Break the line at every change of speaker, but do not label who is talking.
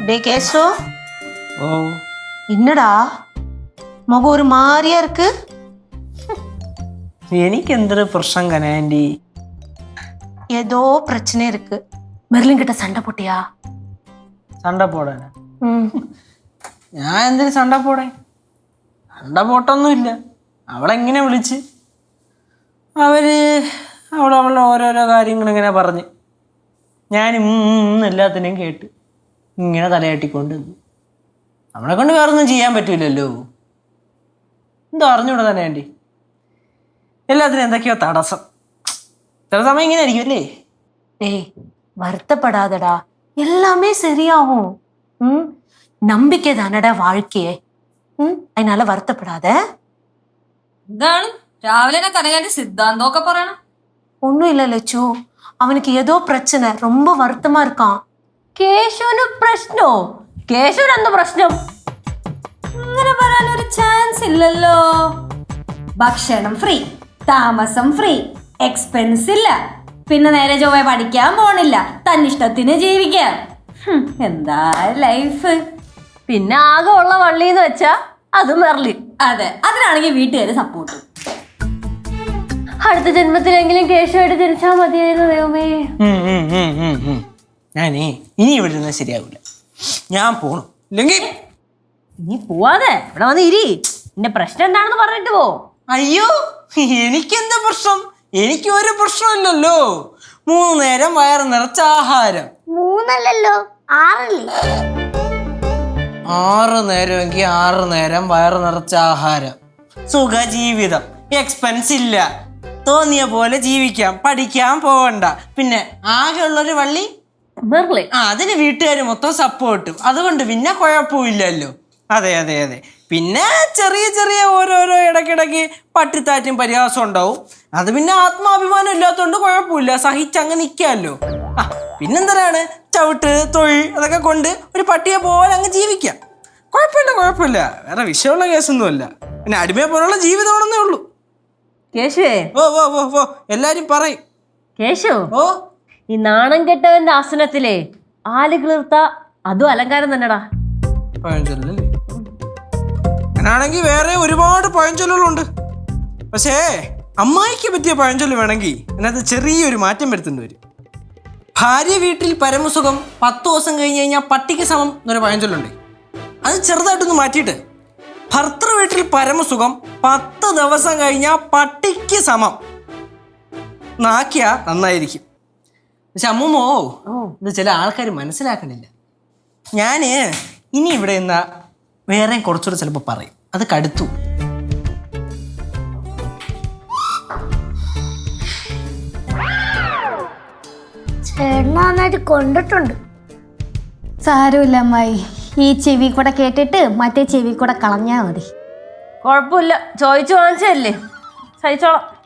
டே கேசோ
ஓ
என்னடா முகம் ஒரு மாதிரியா இருக்கு?
எனக்கு എന്തൊരു പ്രശ്നം കനാൻഡി?
ஏதோ பிரச்சனை இருக்கு. மெர்லின் கிட்ட சண்டை போட்டியா?
സണ്ട പോടാൻ ഞാൻ എന്തിനു സണ്ട പോടേ? സണ്ട പോട്ടൊന്നുമില്ല. അവളെങ്ങനെ വിളിച്ച് അവളവളുടെ ഓരോരോ കാര്യങ്ങളിങ്ങനെ പറഞ്ഞ് ഞാൻ എല്ലാത്തിനെയും കേട്ട് ഇങ്ങനെ തലയാട്ടിക്കൊണ്ട് നമ്മളെ കൊണ്ട് വേറൊന്നും ചെയ്യാൻ പറ്റൂലല്ലോ. എന്തോ അറിഞ്ഞൂടെ തന്നെ ആൻറ്റി, എല്ലാത്തിനും എന്തൊക്കെയോ തടസ്സം. ചില സമയം ഇങ്ങനെ ആയിരിക്കും അല്ലേ?
டேய் வருத்தப்படாதடா, எல்லாமே சரியாகும். நம்பிக்கை தானடா வாழ்க்கையே. அதனால வருத்தப்படாத.
എന്താണ് രാവിലെ കനകാന്റെ സിദ്ധാന്തമൊക്കെ പറയണം?
ஒன்னும் இல்ல லட்சு, அவனுக்கு ஏதோ பிரச்சனை, ரொம்ப வருத்தமா இருக்கான்.
കേശുവിന് പ്രശ്നോ? കേശുവിന് എന്താ പ്രശ്നം?
അങ്ങനെ പറയാനൊരു ചാൻസ് ഇല്ലല്ലോ. ഭക്ഷണം ഫ്രീ, താമസം ഫ്രീ, എക്സ്പെൻസ് ഇല്ല, പിന്നെ നേരെ ചൊവ്വ പഠിക്കാൻ പോണില്ല, തന്നിഷ്ടത്തിന് ജീവിക്കാം. എന്താ ലൈഫ്.
പിന്നെ ആകെ ഉള്ള വള്ളിന്ന് വെച്ചാ അത് മെർലിൻ.
അതെ, അതിനാണെങ്കിൽ വീട്ടുകാര് സപ്പോർട്ട്.
അടുത്ത ജന്മത്തിലെങ്കിലും കേശുവായിട്ട് ജനിച്ചാൽ മതിയായിരുന്നു ദൈവമേ.
ഞാനേ ഇനി ഇവിടെ ഇരുന്നാൽ ശരിയാവില്ല, ഞാൻ പോണു. ഇല്ലെങ്കിൽ
നീ പോവാതെ ഇവിടെ വന്ന് ഇരി. നിന്റെ പ്രശ്നം എന്താണെന്ന് പറഞ്ഞിട്ട് പോ.
അയ്യോ, എനിക്കെന്താ പ്രശ്നം? എനിക്ക് ഒരു പ്രശ്നമില്ലല്ലോ. 3 നേരം വയറ് നിറച്ച ആഹാരം.
3 അല്ലല്ലോ 6
6 നേരമെങ്കിൽ 6 നേരം വയറ് നിറച്ച ആഹാരം, സുഖജീവിതം, എക്സ്പെൻസ് ഇല്ല, തോന്നിയ പോലെ ജീവിക്കാം, പഠിക്കാൻ പോവണ്ട, പിന്നെ ആകെ ഉള്ളൊരു വള്ളി
മെർലിൻ.
അതിന് വീട്ടുകാർ മൊത്തം സപ്പോർട്ടും, അതുകൊണ്ട് പിന്നെ കുഴപ്പമില്ലല്ലോ. അതെ അതെ അതെ. പിന്നെ ചെറിയ ചെറിയ ഓരോരോ ഇടയ്ക്കിടയ്ക്ക് പട്ടിത്താറ്റും പരിഹാസം ഉണ്ടാവും. അത് പിന്നെ ആത്മാഭിമാനം ഇല്ലാത്തതുകൊണ്ട് കുഴപ്പമില്ല, സഹിച്ചങ്ങ് നിൽക്കാമല്ലോ. പിന്നെന്തിനാണ് ചവിട്ട് തൊഴിൽ അതൊക്കെ കൊണ്ട് ഒരു പട്ടിയെ പോലെ അങ്ങ് ജീവിക്കാം. കുഴപ്പമില്ല, വേറെ വിഷയമുള്ള കേസൊന്നുമല്ല. പിന്നെ അടിമയെ പോലുള്ള ജീവിതമാണെന്നേ ഉള്ളൂ.
കേശുവേ,
ഓ ഓ ഓ ഓ എല്ലാരും പറയും.
കേശു,
ഓ
ഈ നാണം കെട്ടവന്റെ ആസനത്തിലെ ആല് കിളിർത്ത അതും അലങ്കാരം തന്നെടാ.
പഴഞ്ചൊല്ലല്ലേ? അങ്ങനാണെങ്കിൽ വേറെ ഒരുപാട് പഴഞ്ചൊല്ലുകളുണ്ട്. പക്ഷേ അമ്മായിക്ക് പറ്റിയ പഴഞ്ചൊല്ല് വേണമെങ്കിൽ അതിനകത്ത് ചെറിയൊരു മാറ്റം വരുത്തേണ്ടി വരും. ഭാര്യ വീട്ടിൽ പരമസുഖം 10 ദിവസം കഴിഞ്ഞ് കഴിഞ്ഞാൽ പട്ടിക്ക് സമം എന്നൊരു പഴഞ്ചൊല്ലുണ്ട്. അത് ചെറുതായിട്ടൊന്ന് മാറ്റിയിട്ട് ഭർത്തൃ വീട്ടിൽ പരമസുഖം 10 ദിവസം കഴിഞ്ഞാൽ പട്ടിക്ക് സമം നാക്കിയ നന്നായിരിക്കും. പക്ഷെ അമ്മൂമ്മോ, ഇത് ചില ആൾക്കാർ മനസ്സിലാക്കണില്ല. ഞാൻ ഇനി ഇവിടെ നിന്നാ വേറെ കുറച്ചുകൂടെ ചിലപ്പോൾ പറയും, അത് കടുത്തു.
ചേട്ടന് നന്നായിട്ട് കൊണ്ടിട്ടുണ്ട്.
സാരമില്ല അമ്മായി, ഈ ചെവി കൂടെ കേട്ടിട്ട് മറ്റേ ചെവി കൂടെ കളഞ്ഞാൽ മതി.
കുഴപ്പമില്ല, ചോദിച്ചു വാങ്ങിച്ചല്ലേ, സഹിച്ചോളാം.